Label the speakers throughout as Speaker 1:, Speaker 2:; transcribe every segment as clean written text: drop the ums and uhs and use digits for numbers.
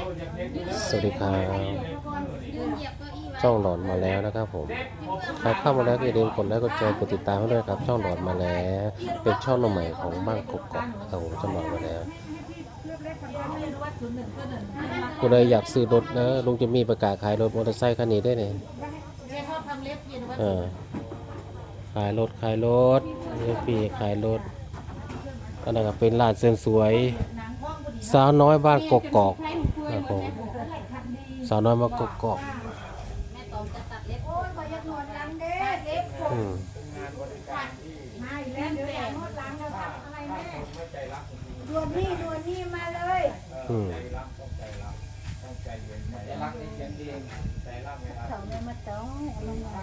Speaker 1: สวัสดีครับช่องหลอนมาแล้วนะครับผมใครเข้ามาแล้วก็อย่าลืมกดไลค์กดแชร์กดติดตามให้ด้วยครับช่องหลอนมาแล้วเป็นช่องใหม่ของบ้านกกอกนะครับผมช่องหลอนมาแล้วคุณเลยอยากซื้อรถนะลุงจะมีประกาศขายรถมอเตอร์ไซค์คันนี้ได้เนี่ยขายรถเรียกปีขายรถก็นะครับเป็นร้านเสริมสวยสาวน้อยบ้านกกอกนะครับผมสาวน้อยมากกอกอืม
Speaker 2: ดวนนี่มาเลย
Speaker 1: อืม
Speaker 2: เขาไม่มาต้องมันมา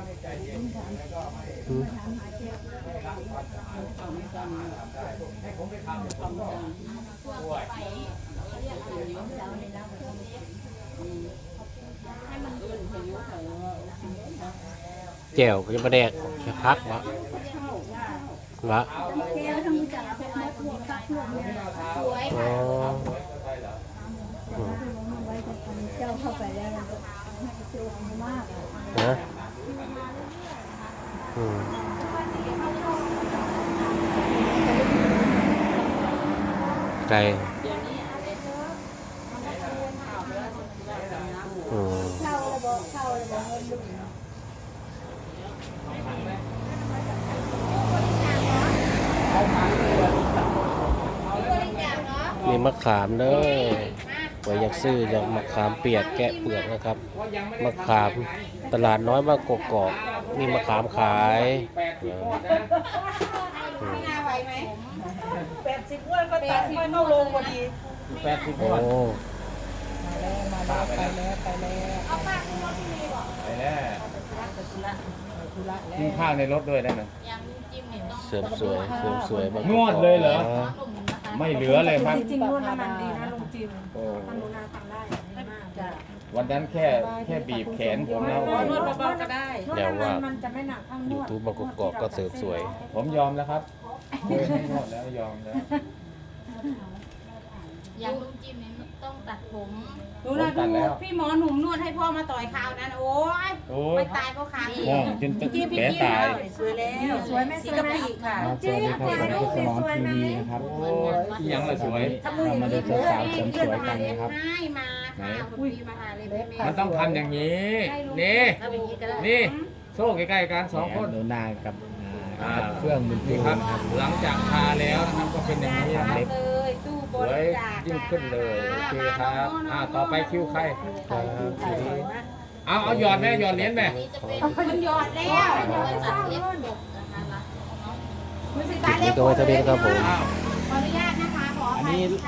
Speaker 1: แจ่วก็จะมาแดกแค่พักวะวะ
Speaker 2: แก้วทั้งจักรเป็นมาทั่วกักทั่วเลยสวย
Speaker 1: อ๋อ
Speaker 2: ไว้จะทำเจ้าเข้าไปแล้วสวยมาก
Speaker 1: นะอืมไก่อืม
Speaker 2: เข้าระบบ
Speaker 1: มีมะขามเด้อไว้อยากซื้ออยากมะขามเปียกแกะเปลือกนะครับมะขามตลาดน้อยบ้านกกอกมีมะขามขาย
Speaker 2: 80วันก็ตัดค่อยเข้าลงพอดี
Speaker 1: โอ้
Speaker 3: กินข้าวในรถด้วยได้ไหม
Speaker 1: เสริมสวยบ้านก
Speaker 3: น
Speaker 1: ก
Speaker 3: ว
Speaker 1: อ
Speaker 3: ด
Speaker 1: ก
Speaker 3: เลยเหรอ
Speaker 1: นะ
Speaker 3: ไม่เหลือเลยครับ
Speaker 2: จริงๆนวดน้ำมันดีนะลุงจิม
Speaker 3: โอ้
Speaker 2: ทำนูนาทำได้จ้ะ
Speaker 3: วันนั้นแค่บีบแขนผมนะโอ้โห
Speaker 2: นวดเบาๆก็ได้
Speaker 1: แล้วว่า
Speaker 2: มันจะไม่หนักข้างน
Speaker 1: ยู
Speaker 2: วด
Speaker 1: ทูบบ้านกกอกก็เสริมสวย
Speaker 3: ผมยอมแล้วครับเคยให้นวดแล้วยอมแล้ว
Speaker 4: อย่างลุงจิมเนี่ยต้องตัดผม
Speaker 5: ดูนะดูพี่หมอหนุ่มนวดให้พ่อมาต่อยข่าวนั้นโอ้ย
Speaker 3: โอ้
Speaker 5: ไป
Speaker 3: ย
Speaker 5: ตายเพราะขา
Speaker 3: ง่วงจนแผลตาย
Speaker 2: สวยแล้วสวยไหมสีกะปิค่ะ
Speaker 6: สวัสดีครับผมคือสมอนทีวีนะครับ
Speaker 3: โอ้ยอีหยังละสวย
Speaker 6: เรามาดูสาวๆเสริมสวยกันนะครับ
Speaker 5: ให้มาค่ะคุณพี่มาหาเลยแม่
Speaker 3: มันต้องทำอย่างนี้ นี่
Speaker 5: ทำอย่างนี้ก็ได้
Speaker 3: นี่โซ่ใกล้ๆกันสองคน
Speaker 6: หนูนากับเฟื่องบุญ
Speaker 3: นี่
Speaker 6: จู
Speaker 3: ครับ
Speaker 6: นะครับ
Speaker 3: หลังจากทาแล้วนะครับก็เป็นอย่างนี้นะครับ
Speaker 5: เลยตู้บ
Speaker 3: สวย
Speaker 5: ริจาค
Speaker 3: ยิ่งขึ้นเลยโอเคครับต่อไปคิวใครเอาหยอดแม่หยอดเหรียญแม่
Speaker 4: นี่จะเป็น
Speaker 5: มันหยอดแล้ว
Speaker 4: ตัดเล็บดกนะคะ
Speaker 5: มันสิตาย
Speaker 1: นี่
Speaker 5: แล้ว
Speaker 1: ก็ไว้เท่านี้นะครับผม
Speaker 3: อ้าว
Speaker 5: ขออนุญาตนะคะขอ
Speaker 6: อัน
Speaker 5: ไป
Speaker 6: นี้